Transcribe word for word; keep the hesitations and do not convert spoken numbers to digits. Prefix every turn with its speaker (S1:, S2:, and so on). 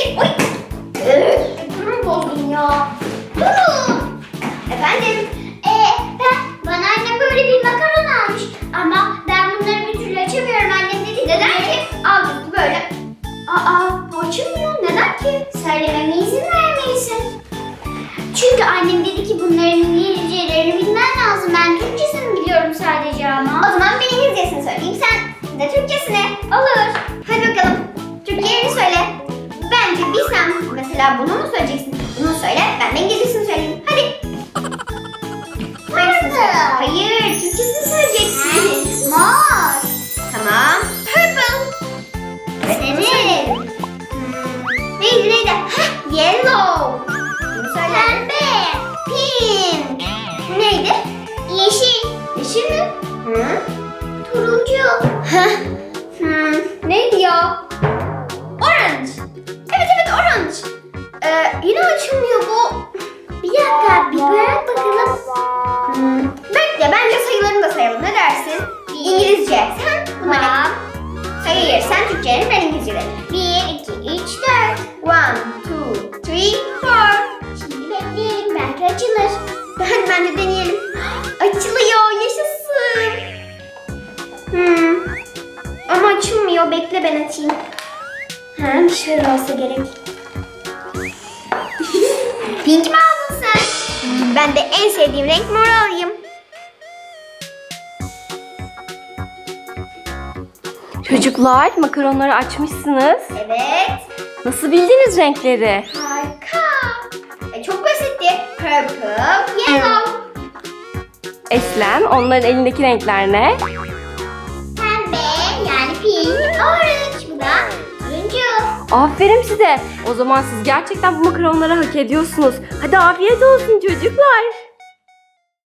S1: Oy. Üf, Durum bozdum ya. Durun. Efendim?
S2: Ee, ben, bana annem böyle bir makaron almış. Ama ben bunları bir türlü açamıyorum. Annem dedi ki
S1: Neden ki? Al bunu böyle.
S2: aa bu açılmıyor. Neden ki? Söylememe izin vermelisin. Çünkü annem dedi ki bunların İngilizcelerini bilmen lazım. Ben Türkçesini biliyorum sadece ama.
S1: O zaman ben İngilizcesini söyleyeyim. Sen de Türkçesini. Olur. Hadi bakalım. Türkçelerini söyle. Bence bir sen mesela bunu mu söyleyeceksin? Bunu söyle. Ben de İngilizcesini söyleyeyim. Hadi. Hangisini söyle? Hayır. Türkçesini söyleyeceksin.
S2: Mor.
S1: Tamam. Purple.
S2: Senin.
S1: Hmm. Neydi neydi? Heh, yellow. Bunu söyle.
S2: Pembe.
S1: Pink. Neydi?
S2: Yeşil.
S1: Yeşil mi? Hı?
S2: Turuncu.
S1: Heh. Hmm. Neydi ya? Orange. Evet evet orange. Ee, yine açılmıyor bu.
S2: Bir dakika bir bırak bakalım.
S1: Hmm. Bekle bence sayılarını da sayalım. Ne dersin? İngilizce. Sen bunları.
S2: Tamam.
S1: Hayır sen Türkçelerini ben İngilizcelerini.
S2: Bir, iki, üç, dört.
S1: One, two, three, four.
S2: Şimdi bekleyelim belki açılır.
S1: Hadi bence deneyelim. Açılıyor. Yaşasın. Hmm. Ama açılmıyor. Bekle ben açayım. Ha, şöyle olsa gerek. Pink mi aldın sen? Hmm, ben de en sevdiğim renk mor alayım.
S3: Çocuklar, makaronları açmışsınız.
S1: Evet.
S3: Nasıl bildiniz renkleri?
S1: Harika. E, çok basitti. Purple, yellow.
S3: Eslem, onların elindeki renkler ne?
S2: Pembe yani pink, orange. Bu da turuncu.
S3: Aferin size. O zaman siz gerçekten bu makaronları hak ediyorsunuz. Hadi afiyet olsun çocuklar.